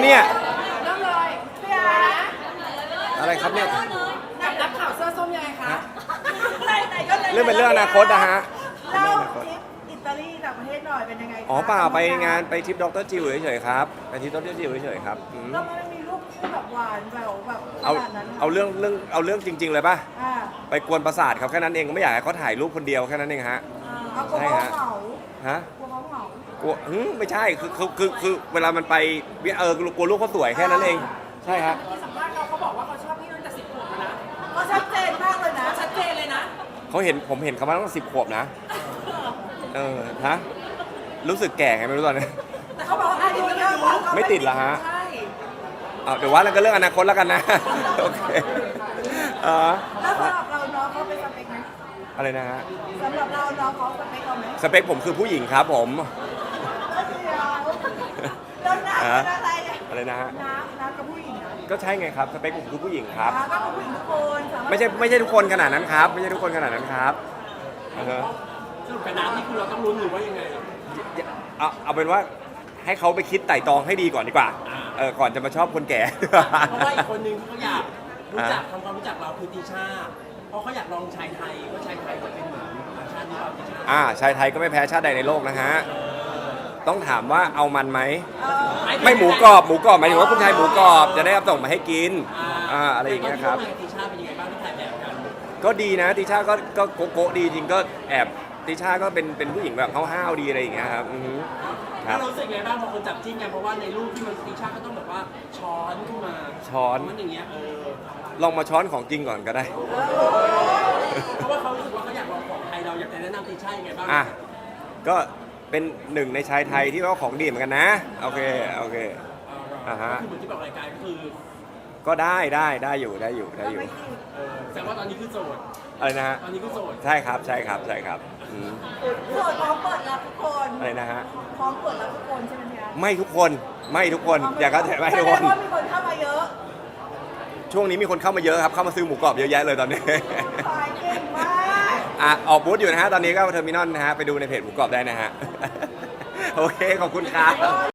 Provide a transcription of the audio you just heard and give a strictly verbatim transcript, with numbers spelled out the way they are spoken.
เนี่ยเริ่มเลยพี่อาร์อะไรครับเนี่ยนักข่าวเสื้อส้มยังไงคะเรื่องเป็นเรื่องอนาคตนะฮะเล่าทริปอิตาลีต่างประเทศหน่อยเป็นยังไงคะอ๋อเปล่าไปงานไปทริปดรจิวเฉยๆครับไปทริปดรจิวเฉยๆครับอืมแล้วมันมีรูปคู่แบบหวานแหววแบบขเอานาดนั้นเอาเรื่องเรื่องเอาเรื่องจริง ๆ เลยป่ะอ่าไปกวนประสาทเขาแค่นั้นเองก็ไม่อยากให้เขาถ่ายรูปคนเดียวแค่นั้นเองฮะเอากลัวเขาเหงาฮะกลัวเขาเหงากลัวหึไม่ใช่คือคือคือคือเวลามันไปเออกลัวลูกเขาสวยแค่นั้นเองใช่ฮะที่สัมภาษณ์เขาเขาบอกว่าเขาชอบพี่ตั้งแต่สิบขวบแล้วนะเขาชัดเจนมากเลยนะชัดเจนเลยนะเขาเห็นผมเห็นเขามาตั้งสิบขวบนะเออฮะรู้สึกแก่ไงไม่รู้ตอนนี้แต่เขาบอกว่าอายุเยอะกว่าเขาไม่ติดเหรอฮะใช่เอาเดี๋ยวว่าแล้วก็เรื่องอนาคตแล้วกันนะ โอเคเออแล้วสำหรับเราน้องเขาเป็นสเปคไหมอะไรนะฮะสำหรับเราน้องเขาสเปคเราไหมสเปคผมคือผู้หญิงครับผมเดี๋ยวแล้วน้ำเป็นอะไรเนี่ยอะไรนะฮะน้ำน้ำกับผู้หญิงนะก็ใช่ไงครับสเปคผมคือผู้หญิงครับน้ำก็กับผู้หญิงทุกคนสาารถไม่ใช่ไม่ใช่ทุกคนขนาดนั้นครับ ไม่ใช่ทุกคนขนาดนั้นครับเออสรุปกับน้ำนี่คือเราต้องลุ้นหรือว่ายังไงเอาเอาเป็นว่าให้เขาไปคิดไต่ตองให้ดีก่อนดีกว่าเออก่อนจะมาชอบคนแก่เพราะว่าอีกคนนึงที่เขาอยากรู้จักทำความรู้จักเราคือติชาเพราะเขาอยากลองชายไทยว่าชายไทยจะเป็นเหมือนต่างชาติหรือเปล่าติชาอ่าชายไทยก็ไม่แพ้ชาติใดในโลกนะฮะต้องถามว่าเอามันไหมไม่หมูกรอบหมูกรอบหมายถึงว่าคุณชายหมูกรอบจะได้เอาส่งมาให้กินอ่าอะไรอย่างเงี้ยครับติชาเป็นยังไงบ้างที่ถ่ายแบบกันก็ดีนะติช่าก็ก็โกโก้ดีจริงก็แอบติช่าก็เป็นเป็นผู้หญิงแบบห้าวๆดีอะไรอย่างเงี้ยครับอือฮึคแล้รัวบรู้สึกไงบ้างพอคนจับจิ้นกันเพราะว่าในรูปที่มันติชาก็ต้องแบบว่าช้อนขึ้นมาช้อนมันอย่างเงี้ยเออลองมาช้อนของจริงก่อนก็ได้เพราะว่าเขารู้สึกว่าเขาอยากลองของไทยเราอยากจะแนะนำติชายังไงบ้างอ่ะก็เป็นหนึ่งในชายไทยที่ว่าของดีเหมือนกันนะโอเคโอเค อ่าฮะคือเหมือนที่บอกรายการก็คือก็ได้ได้ได้อยู่ได้อยู่ได้อยู่เออแสดงว่าตอนนี้คือโสดอะไรนะฮะตอนนี้คือโสดใช่ครับใช่ครับใช่ครับอืมโสดพร้อมเปิดรับทุกคนอะไรนะฮะพร้อมเปิดรับทุกคนใช่ไหมพี่อาร์ไม่ทุกคนไม่ทุกคนอย่าก็แต่ไม่ทุกคนแสดงว่ามีคนเข้ามาเยอะช่วงนี้มีคนเข้ามาเยอะครับเข้ามาซื้อหมูกรอบเยอะแยะเลยตอนนี้ขายเก่งมากอ่ะออกบูธอยู่นะฮะ ตอนนี้ก็เทอร์มินอลนะฮะ ไปดูในเพจหมูกรอบได้นะฮะ โอเค ขอบคุณครับ